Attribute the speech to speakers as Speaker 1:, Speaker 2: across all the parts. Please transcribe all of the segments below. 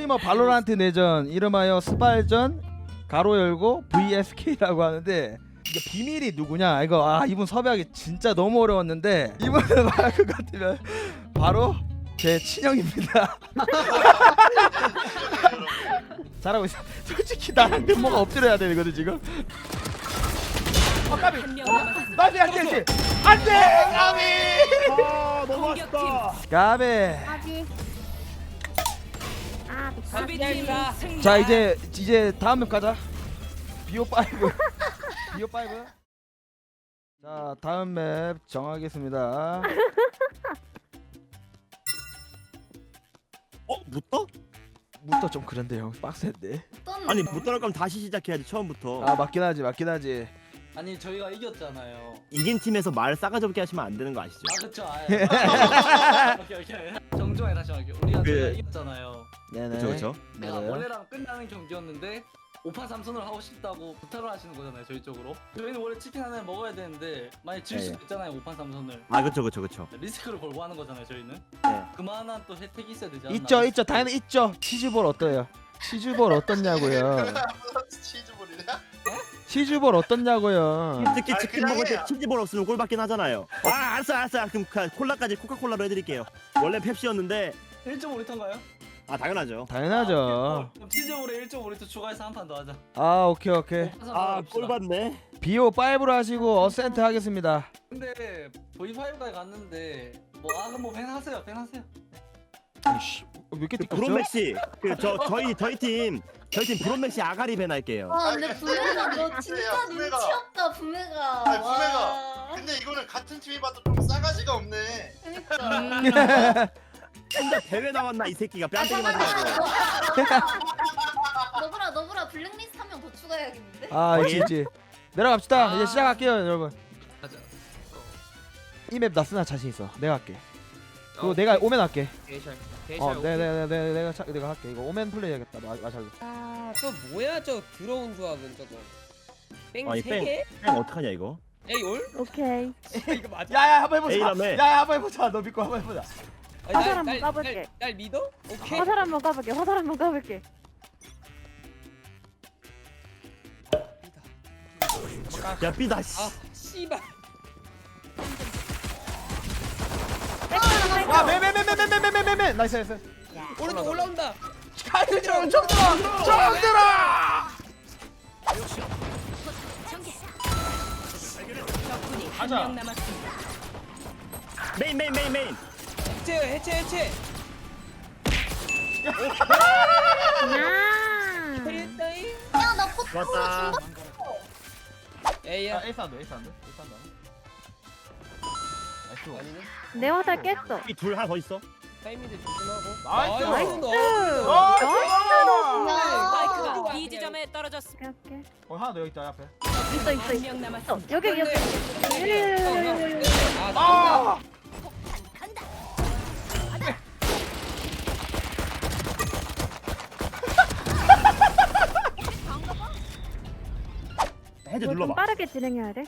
Speaker 1: 스트리머 발로란트 내전 이름하여 스발전 가로 열고 VSK라고 하는데 이게 비밀이 누구냐 이거 이분 섭외하기 진짜 너무 어려웠는데 이분을 말할 것 같으면 바로 제 친형입니다. 잘하고 있어. 솔직히 나랑 면모가 엎드려야 되거든 지금. 까비. 나비 안돼 안돼 까비.
Speaker 2: 너무 아쉽다.
Speaker 1: 까비.
Speaker 3: 아직.
Speaker 1: 자 이제 다음 맵 가자. BO5 BO5. 자 다음 맵 정하겠습니다.
Speaker 2: 묻어?
Speaker 1: 무터 좀 그런데 형 빡센데.
Speaker 2: 아니 못 따라갈 거면 다시 시작해야지 처음부터.
Speaker 1: 맞긴 하지.
Speaker 4: 아니 저희가 이겼잖아요.
Speaker 2: 이긴 팀에서 말 싸가지 없게 하시면 안 되는 거 아시죠?
Speaker 4: 그쵸. 오케이. 정중하게 다시 할게요. 우리가 저희가 이겼잖아요.
Speaker 1: 네네.
Speaker 2: 그쵸.
Speaker 4: 내가
Speaker 1: 맞아요.
Speaker 4: 원래랑 끝나는 경기였는데 5판 3선을 하고 싶다고 부탁을 하시는 거잖아요. 저희 쪽으로. 저희는 원래 치킨 하나를 먹어야 되는데 만약 질 수도 있잖아요. 5판 3선을.
Speaker 2: 그쵸.
Speaker 4: 리스크를 걸고 하는 거잖아요. 저희는.
Speaker 2: 네.
Speaker 4: 그만한 또 혜택이 있어야 되지 않나.
Speaker 1: 있죠 당연히 있죠. 치즈볼 어때요? 치즈볼 어떻냐고요?
Speaker 5: 치즈볼이냐?
Speaker 1: 치즈볼 어떻냐고요?
Speaker 2: 특히 치킨
Speaker 5: 그냥
Speaker 2: 먹을 때
Speaker 5: 해요.
Speaker 2: 치즈볼 없으면 꼴받긴 하잖아요. 알았어. 그럼 콜라까지 코카콜라로 해드릴게요. 원래 펩시였는데
Speaker 4: 1.5리터인가요?
Speaker 2: 당연하죠.
Speaker 1: 당연하죠.
Speaker 4: 그럼 치즈볼에 1.5리터 추가해서 한 판 더 하자.
Speaker 1: 오케이.
Speaker 2: 꼴받네.
Speaker 1: BO5로 하시고 어센트 하겠습니다.
Speaker 4: 근데 V5까지 갔는데 그럼 뭐 팬하세요.
Speaker 1: 아이씨 몇개 띠껍죠?
Speaker 2: 브론맥시 저희 팀 브론맥시 아가리 밴 할게요.
Speaker 3: 근데 부메가 너 진짜
Speaker 5: 부메가.
Speaker 3: 눈치 없다 부메가.
Speaker 5: 아니, 부메가.
Speaker 3: 와.
Speaker 5: 근데 이거는 같은 팀이 봐도 좀 싸가지가 없네.
Speaker 3: 그러니까.
Speaker 2: 혼자 대회 나왔나 이 새끼가 뺨때기 맞아가지고.
Speaker 3: 너브라 블랙리스트 한 명 더 추가해야겠는데?
Speaker 1: 있지. 내려갑시다. 이제 시작할게요, 여러분.
Speaker 4: 가자.
Speaker 1: 이 맵 나 쓰나 자신 있어. 내가 할게. 그거 내가 오멘 할게. 내가 할게. 이거 오멘 플레이 해야겠다. 마샬로.
Speaker 6: 저 뭐야 저 더러운 조합은 저거. 뺑
Speaker 2: 아니,
Speaker 6: 3개?
Speaker 2: 뺑 어떡하냐 이거?
Speaker 6: 에이 올?
Speaker 3: 오케이.
Speaker 6: 이거 맞아?
Speaker 1: 야야 한번 해보자.
Speaker 2: A라며.
Speaker 1: 야야 한번 해보자. 너 믿고 한번 해보자.
Speaker 3: 화살 한번 까볼게.
Speaker 6: 날 믿어? 오케이.
Speaker 3: 화살 한번 까볼게.
Speaker 2: 야 삐다 씨.
Speaker 6: 씨발.
Speaker 1: 매매매매매매매매매 나이스.
Speaker 6: 오른쪽 올라온다.
Speaker 1: 가이드랑 정들아. 가자.
Speaker 2: 메인.
Speaker 6: 해체.
Speaker 3: 야.
Speaker 6: 캐리했다잉.
Speaker 3: 야나 포트
Speaker 2: 좋았다.
Speaker 6: 에이야.
Speaker 1: 에이스 한다. 나이스.
Speaker 3: 내 화살 깼어.
Speaker 2: 이 둘 하나 더 있어.
Speaker 6: 타이밍들 조심하고.
Speaker 1: 나이스.
Speaker 6: 나이스.
Speaker 7: B 지점에 떨어졌습니다.
Speaker 3: 오케이.
Speaker 1: 하나 더 여기 있다 앞에.
Speaker 3: 있어.
Speaker 7: 한명 남았습니다.
Speaker 3: 여기.
Speaker 1: 아!
Speaker 2: 해제
Speaker 3: 좀
Speaker 2: 눌러봐.
Speaker 3: 빠르게 진행해야 돼.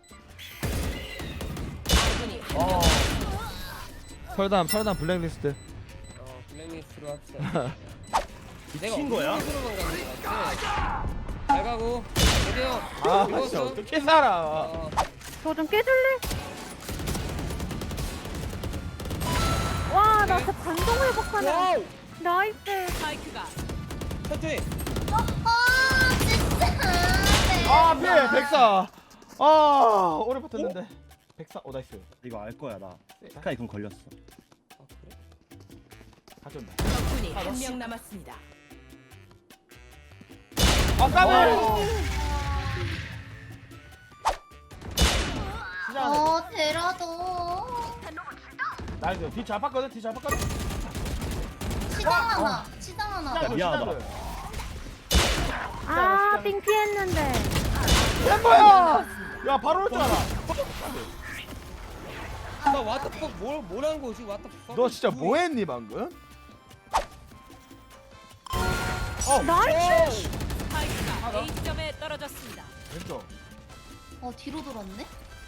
Speaker 1: 설담 블랙리스트.
Speaker 6: 블랙리스트로 합시다.
Speaker 2: 미친 거야?
Speaker 6: 으로만 가는 거 같아. 잘 가고. 여기요.
Speaker 1: 진짜 어떻게 살아?
Speaker 3: 저 좀 깨줄래? 와, 나 진짜 반동 회복하네.
Speaker 6: 와우.
Speaker 3: 나이스.
Speaker 7: 스파이크가
Speaker 6: 천천히.
Speaker 1: 피해 백사. 오래 버텼는데. 백사. 나이스.
Speaker 2: 이거 알 거야 나. 스카이 그럼 걸렸어.
Speaker 6: 아 그래?
Speaker 1: 가져온다.
Speaker 7: 적군이 한명 남았습니다.
Speaker 1: 까비.
Speaker 3: 데라도.
Speaker 1: 나이스. 뒤 잘 봤거든.
Speaker 3: 치장 하나.
Speaker 2: 야, 미안하다.
Speaker 3: 삥 피했는데.
Speaker 1: 햄버야. 야 바로 올 줄 알아.
Speaker 6: 나 왓더퍽 뭘한 거지 왓더퍽?
Speaker 1: 너 진짜 뭐했니 방금?
Speaker 3: 나이스.
Speaker 7: 스파이크가 A 지점에 떨어졌습니다.
Speaker 1: 왼쪽.
Speaker 3: 뒤로 돌았네.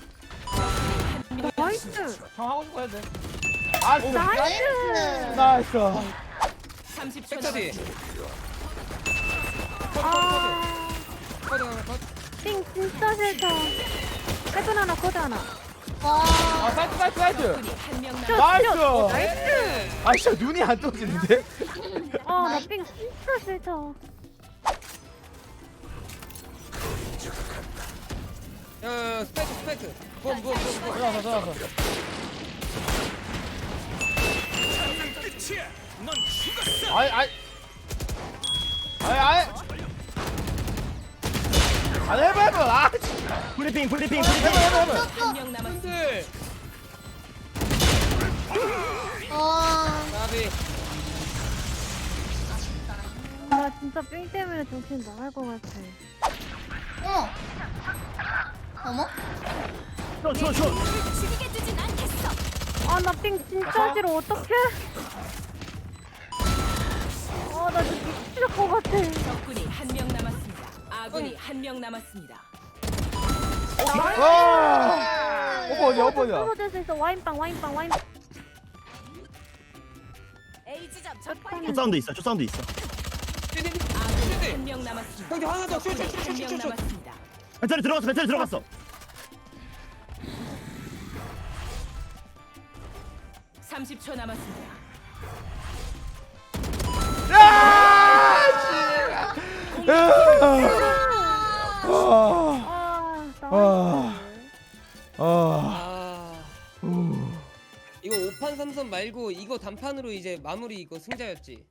Speaker 7: 한명
Speaker 3: 나이스.
Speaker 1: 형 하고 싶어 해도 돼.
Speaker 3: 나이스.
Speaker 1: 나이스.
Speaker 7: 30초
Speaker 6: 백차디.
Speaker 3: 아,
Speaker 6: 커드 하나 컷.
Speaker 8: 삥 진짜 싫다. 해븐 하나 코드 하나.
Speaker 3: 와.
Speaker 1: 아 사이트 사이트 사이트.
Speaker 7: 적군이 한명
Speaker 8: 슛,
Speaker 1: 나이스.
Speaker 8: 슛.
Speaker 1: 아 진짜 눈이 안 떠지는데?
Speaker 8: 나 삥 진짜 싫다.
Speaker 6: 야, 스파이크. bomb.
Speaker 1: 들어가서 들어가서. 아이. 아니 해봐. 아
Speaker 2: 브리핑.
Speaker 1: 해봐.
Speaker 7: 한명 남았습니다.
Speaker 6: 근데
Speaker 3: 와.
Speaker 6: 나비.
Speaker 8: 나 진짜 삥 때문에 정신 나갈 것 같아.
Speaker 3: 어머. 어머?
Speaker 2: 쇼.
Speaker 7: 죽이게 두진 않겠어.
Speaker 8: 나 삥 진짜 싫어. 어떡해? 나 진짜 미칠 것 같아.
Speaker 7: 적군이 한명 남았습니다. 아군이 한명 남았습니다.
Speaker 1: 와. 오빠 어디야?
Speaker 8: 떨어질 수 있어. 와인빵.
Speaker 7: A 지점
Speaker 2: 쇼
Speaker 7: 적발견.
Speaker 2: 사운드 있어.
Speaker 7: 아군이 한명 남았습니다.
Speaker 6: 형님 하나 더.
Speaker 7: 적군이 한명
Speaker 6: 슛.
Speaker 7: 남았습니다.
Speaker 2: 배터리 들어갔어.
Speaker 7: 30초 남았습니다.
Speaker 6: 이거 5판 3선 말고 이거 단판으로 이제 마무리 이거 승자였지.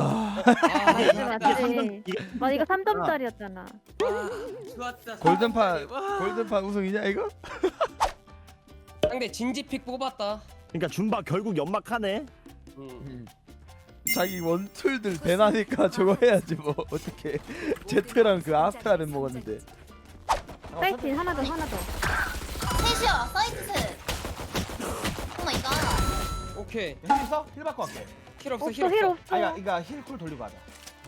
Speaker 8: 맞지. 이거 3점짜리였잖아.
Speaker 6: 좋았다.
Speaker 1: 골든판 우승이냐 이거?
Speaker 6: 상대 진지픽 뽑았다.
Speaker 2: 그러니까 줌바 결국 연막하네.
Speaker 1: 자기 원툴들 배나니까 저거 해야지 뭐 어떻게 제트랑 그 아스트라를 먹었는데.
Speaker 8: 사이트 하나 더.
Speaker 3: 셋이야. 사이트 셋. 오 마이 갓.
Speaker 6: 오케이.
Speaker 1: 힐 있어? 힐 받고 갈게.
Speaker 6: 힐 없어.
Speaker 8: 없어 힐 없어.
Speaker 1: 이거 힐쿨 돌리고 하자.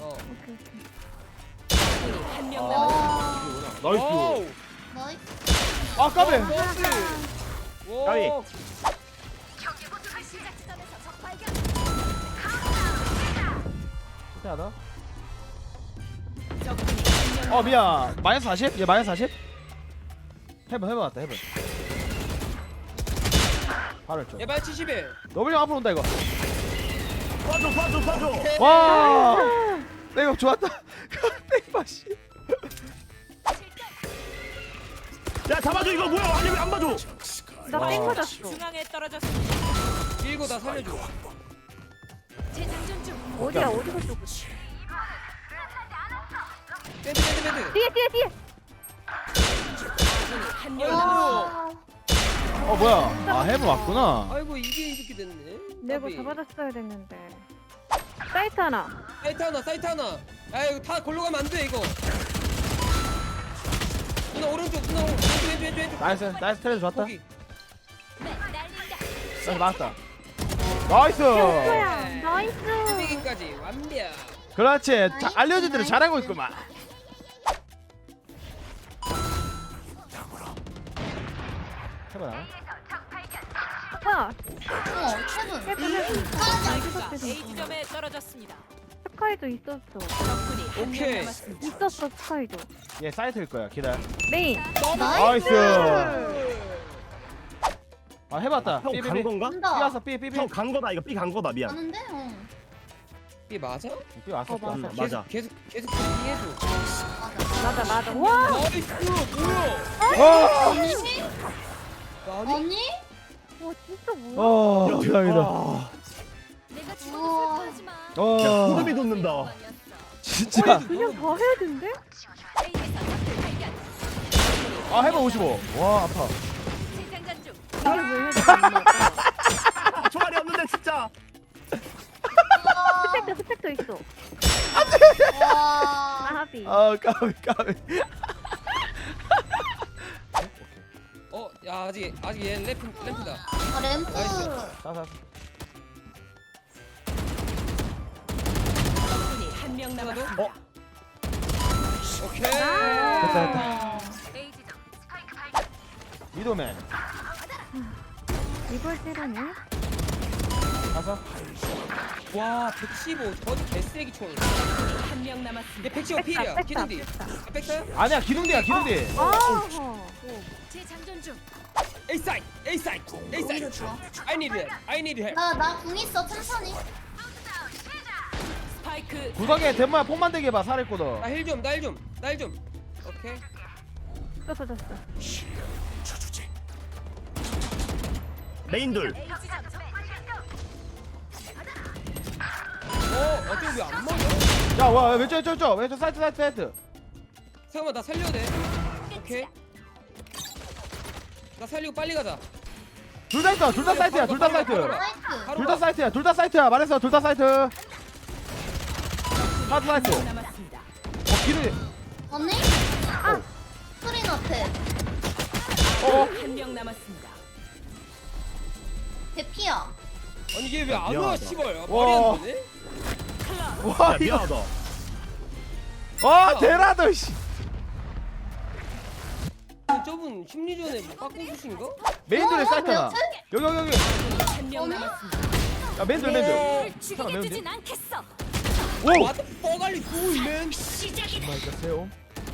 Speaker 7: 적군이 한명 남았습니다.
Speaker 1: 나이스.
Speaker 3: 나이스.
Speaker 1: 아 까베.
Speaker 2: 까비.
Speaker 1: 실패하다.
Speaker 7: 적군이 한명
Speaker 1: 미안. 마이너스 40? 얘 마이너스 40? 해봐 왔다 해봐. 바로 했죠.
Speaker 6: 예발 70에.
Speaker 1: 너블링 앞으로 온다 이거.
Speaker 2: 봐줘.
Speaker 1: 와. 백업 좋았다. 백업 씨.
Speaker 2: 야 잡아줘 이거 뭐야? 아니 왜 안 봐줘?
Speaker 8: 나삥 맞았어.
Speaker 7: 중앙에 떨어졌습니다.
Speaker 6: 밀고 나 살려줘.
Speaker 7: 재장전 중.
Speaker 8: 어디야 어디서 쏘고.
Speaker 6: 배드.
Speaker 8: 뒤에.
Speaker 7: 아군이 한명 남았습니다.
Speaker 1: 뭐야? 해브 왔구나.
Speaker 6: 아이고 이게 이렇게 됐네.
Speaker 8: 내가 잡아줬어야 됐는데. 사이트 하나.
Speaker 6: 사이트 하나. 아 이거 다 골로 가면 안 돼 이거. 누나 오른쪽. 왼쪽.
Speaker 1: 나이스 트레드 좋았다.
Speaker 6: 거기.
Speaker 1: 나이스 맞았다. 나이스.
Speaker 8: 뭐야? 나이스.
Speaker 6: 100까지 완벽.
Speaker 1: 그렇지. 알려준 대로 잘하고 있구만. 해봐.
Speaker 8: 뭐야?
Speaker 3: 세븐.
Speaker 7: 마이크가 A 지점에 떨어졌습니다.
Speaker 8: 스카이도 있었어.
Speaker 7: 적군이 한명
Speaker 6: 오케이.
Speaker 7: 남았습니다.
Speaker 8: 있었어 스카이도.
Speaker 1: 얘 사이트일 거야. 기다려.
Speaker 8: 메인.
Speaker 1: 나이스. 해봤다.
Speaker 2: 형 간 건가?
Speaker 3: 간다.
Speaker 1: 왔어. 삐.
Speaker 2: 형 간 거다 이거. 간 거다 미안.
Speaker 3: 가는데?
Speaker 6: 이게 맞아?
Speaker 1: 삐 왔어.
Speaker 8: 맞아.
Speaker 2: 맞아.
Speaker 6: 계속 이해해줘.
Speaker 8: 맞아. 와.
Speaker 6: 나이스 뭐야?
Speaker 1: 와.
Speaker 3: 언니?
Speaker 6: 아니?
Speaker 3: 언니?
Speaker 8: 와 진짜 뭐야?
Speaker 1: 감사합니다.
Speaker 7: 내가
Speaker 3: 우와.
Speaker 7: 하지 마.
Speaker 2: 야 소름이 돋는다.
Speaker 1: 진짜.
Speaker 8: 그냥 다 해야 된대?
Speaker 1: 해봐 55. 와 아파.
Speaker 7: 재장전 중.
Speaker 8: 이게 왜 해야 되는
Speaker 2: 총알이 없는데 진짜.
Speaker 8: 스펙도 있어.
Speaker 3: 와.
Speaker 8: 아하비.
Speaker 1: 까비.
Speaker 6: 야 아직 얘 램프다.
Speaker 3: 아, 램프.
Speaker 1: 자자.
Speaker 7: 적군이 한명 남았습니다.
Speaker 6: 오케이.
Speaker 1: 됐다.
Speaker 7: A 지점.
Speaker 1: 미도맨.
Speaker 8: 이걸 때리네?
Speaker 1: 가서.
Speaker 6: 와 115. 저기 개쓰레기 총.
Speaker 7: 한 명 남았습니다.
Speaker 6: 얘 115 필이야.
Speaker 8: 뺐다,
Speaker 6: 기둥디.
Speaker 8: 뺐다.
Speaker 6: 아 뺐어요?
Speaker 1: 아니야 기둥대야 기둥대.
Speaker 8: 어.
Speaker 7: 재장전 중.
Speaker 6: A side. A side. A
Speaker 3: 오히려
Speaker 6: side.
Speaker 3: 좋아.
Speaker 6: I need help. I need help.
Speaker 3: 나궁 있어 천천히.
Speaker 7: 스파이크
Speaker 1: 구석에 대모야 폭만 되게 봐 살했거든.
Speaker 6: 나 힐 좀. 나 힐 좀. 나 힐 좀. 오케이.
Speaker 8: 졌어.
Speaker 2: 메인 둘.
Speaker 6: 어떻게 왜 안 맞아?
Speaker 1: 야와 왼쪽 사이트.
Speaker 6: 잠깐만 나 살려야 돼. 오케이. 나 살리고 빨리 가자.
Speaker 1: 둘 다 있어. 둘 다 사이트야. 둘 다 사이트.
Speaker 3: 나이스.
Speaker 1: 둘 다 사이트야. 둘 다 사이트야. 말했어. 둘 다 사이트. 하드 사이트.
Speaker 7: 명 남았습니다.
Speaker 1: 기둥이.
Speaker 3: 언니? 스크린 앞에.
Speaker 7: 한 명 남았습니다.
Speaker 3: 대피야.
Speaker 6: 아니 얘 왜 안 와?
Speaker 2: 미안하다.
Speaker 6: 씨발.
Speaker 1: 와.
Speaker 6: 말이 안 되네.
Speaker 1: 와
Speaker 2: 야,
Speaker 1: 이거.
Speaker 2: 미안하다.
Speaker 1: 와 대라도 씨.
Speaker 6: 저분 심리전에 뭐 빡공수신가?
Speaker 1: 메인돌에 사이트야. 여기.
Speaker 7: 한 명
Speaker 3: 어머?
Speaker 7: 남았습니다.
Speaker 1: 야 메인돌.
Speaker 7: 죽이게 두진 않겠어.
Speaker 1: 오.
Speaker 6: 와도 뻐갈리 두일맨.
Speaker 1: 마이크 세요.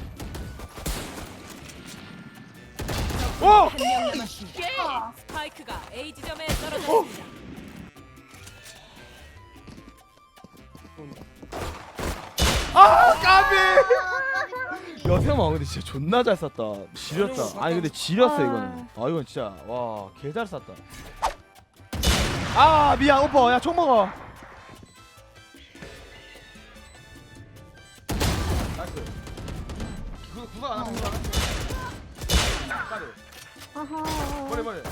Speaker 1: 오.
Speaker 7: 한 명 남았습니다. 스파이크가 A 지점에 떨어졌습니다.
Speaker 1: 아 까비. 야 세영아 근데 진짜 존나 잘 쐈다. 지렸다. 아니 근데 지렸어 이거는. 아 이건 진짜 와 개 잘 쐈다. 아 미안 오빠 야총 먹어. 나이스. 그 구석 안 하는 거. 까비.
Speaker 8: 어허.
Speaker 1: 버려.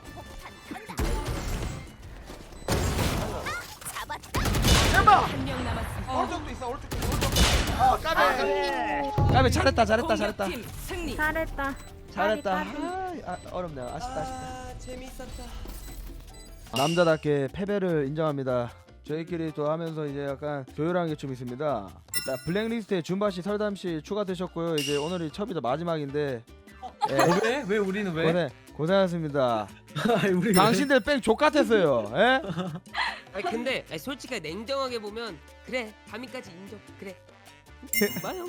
Speaker 1: 엠마.
Speaker 7: 한 명 남았습니다.
Speaker 1: 오른쪽도 있어 오른쪽. 아 까비. 까비 잘했다.
Speaker 7: 공격팀 승리.
Speaker 8: 잘했다.
Speaker 1: 잘했다.
Speaker 8: 까비.
Speaker 1: 아 어렵네. 아쉽다.
Speaker 6: 아 재밌었다.
Speaker 1: 남자답게 패배를 인정합니다. 저희끼리 또 하면서 이제 약간 조율한 게 좀 있습니다. 일단 블랙리스트에 준바 씨, 설담 씨 추가되셨고요. 이제 오늘이 첫이자 마지막인데. 예,
Speaker 9: 왜 우리는 왜?
Speaker 1: 고생하셨습니다.
Speaker 9: 우리 왜?
Speaker 1: 당신들 뺑 족같았어요. 예?
Speaker 6: 아니 근데 아니, 솔직히 냉정하게 보면 그래 담임까지 인정. 그래. 마형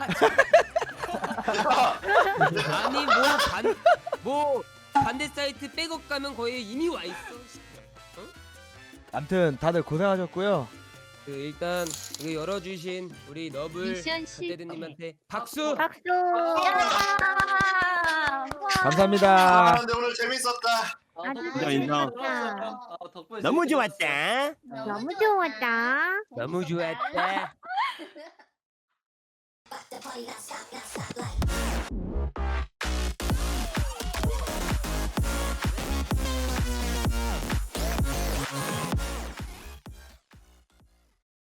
Speaker 6: 아니 뭐 반대 사이트 백업 가면 거의 이미 와 있어.
Speaker 1: 아무튼 다들 고생하셨고요.
Speaker 6: 그 일단 이거 열어주신 우리 너블
Speaker 3: 미션 시.
Speaker 6: 갓데드님한테 박수.
Speaker 8: 박수.
Speaker 1: 감사합니다.
Speaker 5: 근데 오늘 재밌었다.
Speaker 8: 아주
Speaker 2: 인정.
Speaker 8: 재밌었다.
Speaker 4: 덕분에
Speaker 2: 너무
Speaker 4: 재밌게
Speaker 2: 좋았다.
Speaker 8: 너무 좋았다.
Speaker 6: 너무 좋았다.
Speaker 3: Like